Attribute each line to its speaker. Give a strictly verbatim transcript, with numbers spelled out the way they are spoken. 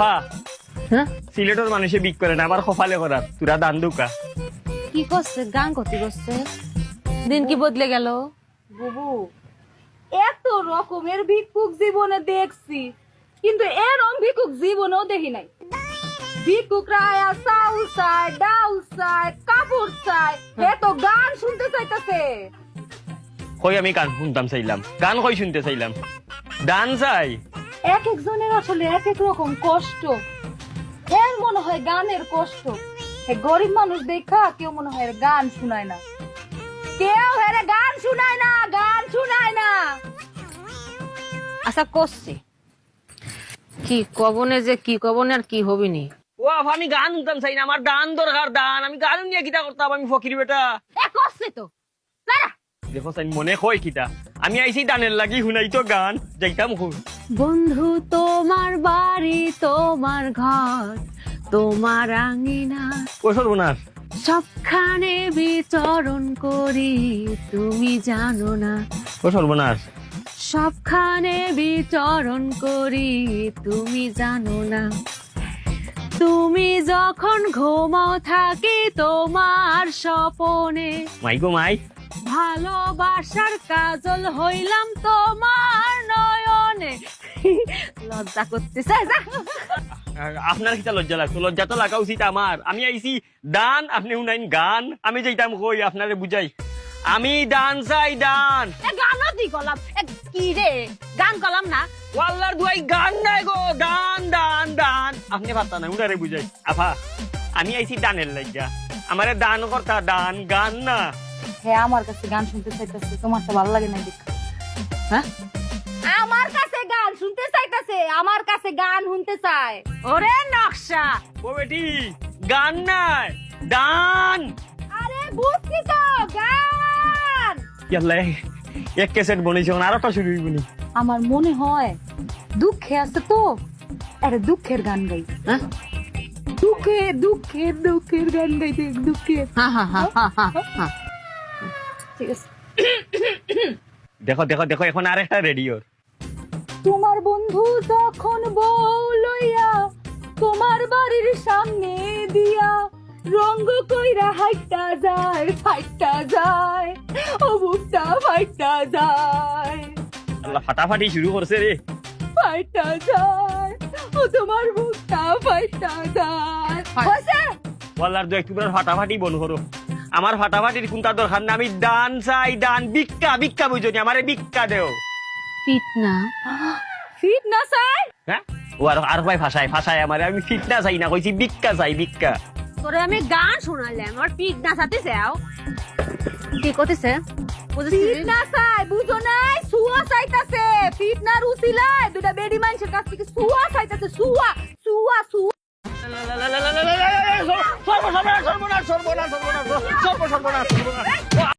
Speaker 1: আফা
Speaker 2: হ্যাঁ
Speaker 1: সিলেটের মানুষে বিক করে না, আবার কপালে করার তোরা দান দুকা।
Speaker 2: কি করছে? গান করতে করছে, দিন কি বদলে গেল।
Speaker 3: বুবু, এত রকমের ভিক্ষুক জীবনে দেখছি, কিন্তু এরম ভিক্ষুক জীবনেও দেখি নাই। ভিক্ষুকরা আয়া চাউল চায়, ডাউল চায়, কাপড় চায়, এ তো গান শুনতে চাইতেছে।
Speaker 1: কই আমি গান শুনতাম চাইলাম, গান কই শুনতে চাইলাম, দান চাই।
Speaker 3: এক একজনের আসলে এক এক রকম কষ্ট। এর মনে হয় গানের কষ্ট, হে গরিব মানুষ দেখা কেউ মনে হয় এর গান শুনায় না, কেউ হের গান শুনায় না, গান শুনায় না।
Speaker 2: আচ্ছা করছে কি কবনে, যে কি কবনে আর কি হবিনি।
Speaker 1: ও আফা আমি গান শুনতাম চাই না, আমার দান দরকার, দান। আমি গান নিয়ে কিতা করতাম, আমি ফকির বেটা।
Speaker 3: এ করছে তো দাঁড়া।
Speaker 1: দেখো চাই মনে কই কিতা, আমি আইছি দানের লাগি শুনাই তো গান যাইতাম খুব।
Speaker 2: বন্ধু তোমার বাড়ি, তোমার ঘর, তোমার আঙিনা,
Speaker 1: ও সর্বনাশ,
Speaker 2: সবখানে বিচরণ করি, তুমি জানো না।
Speaker 1: ও সর্বনাশ,
Speaker 2: সবখানে বিচরণ করি, তুমি জানো না। তুমি যখন ঘুমাও থাকি তোমার স্বপনে,
Speaker 1: মাই গো মাই।
Speaker 2: ভালোবাসার কাজল হইলাম তোমার নয়নে। লজ্জা করতেছে, যা।
Speaker 1: আর আপনার কিতা লজ্জা লাগতো? লজ্জা তো লাগা উচিত আমার। আমি আইছি দান, আপনি শুনাইন গান। আমি যাইতাম কই আপনারে বুঝাই, আমি দান চাই, দান।
Speaker 2: এ গানও দি গলাম, এ কি রে গান গলাম না।
Speaker 1: ওয়াল্লার দুয়াই গান নাই গো, দান দান দান। আপনি পারতা না, উনারে বুঝাই। আফা আমি আইছি দানের লাগিয়া, আমারে দান করতা, দান গান না।
Speaker 3: হ্যাঁ, আমার কাছে গান শুনতে চাইতেছে, তোমার তো ভালো লাগে না দেখ।
Speaker 2: হ্যাঁ
Speaker 3: আমার কাছে গান শুনতে চাইতেছে, আমার কাছে গান শুনতে চায়।
Speaker 2: ওরে নকশা,
Speaker 1: ও বেটি গান নাই, দান।
Speaker 3: আরে বুঝছি তো, গান।
Speaker 1: ইয়াল্লা এক ক্যাসেট বনেছে, আর একটা শুরু হইবনি।
Speaker 3: আমার মনে হয় দুঃখে আছে তো, আরে দুঃখের গান গাই।
Speaker 2: হ্যাঁ
Speaker 3: দুঃখে দুঃখের দুঃখের গান গাইতে, দুঃখের।
Speaker 2: হা হা হা হা হা।
Speaker 3: ঠিক আছে।
Speaker 1: দেখো দেখো দেখো, এখন আর একটা রেডিওর।
Speaker 3: তোমার বন্ধু যখন বউ লইয়া তোমার বাড়ির সামনে দিয়া রঙ্গ কইরা হাইটা যায়, ফাইটা যায়, ও বুকটা ফাইটা যায়,
Speaker 1: আল্লাহ ফাটাফাটি শুরু করছে রে।
Speaker 3: ফাইটা যায়, ও তোমার বুকটা ফাইটা যায়। হইছে?
Speaker 1: ওয়াল্লার দু একটু ফাটাফাটি বন করো। আমার ফাটাফাটির কোনটা দরকার না, আমি দান চাই, দান। ভিক্ষা ভিক্ষা বুঝনি, আমারে ভিক্ষা দেও।
Speaker 2: ফিটনা
Speaker 3: ফিট না চাই?
Speaker 1: হ্যাঁ ও আর আর ভাই ভাষায় ভাষায় আমারে, আমি ফিটনা চাই না, কইছি ভিক্ষা চাই, ভিক্ষা।
Speaker 2: তোরে আমি গান শোনালাম, আর ফিটনা সাথে যাও কি করতেছে?
Speaker 3: ফিট না চাই, বুঝো নাই? সুয়া চাইতাছে। ফিট না রুচিলায় দুটা বেডি মানুষের কাছ থেকে সুয়া চাইতাছে, সুয়া সুয়া সুয়া।
Speaker 1: সর্বনাশ সর্বনাশ সর্বনাশ সর্বনাশ সর্বনাশ সর্বনাশ সর্বনাশ।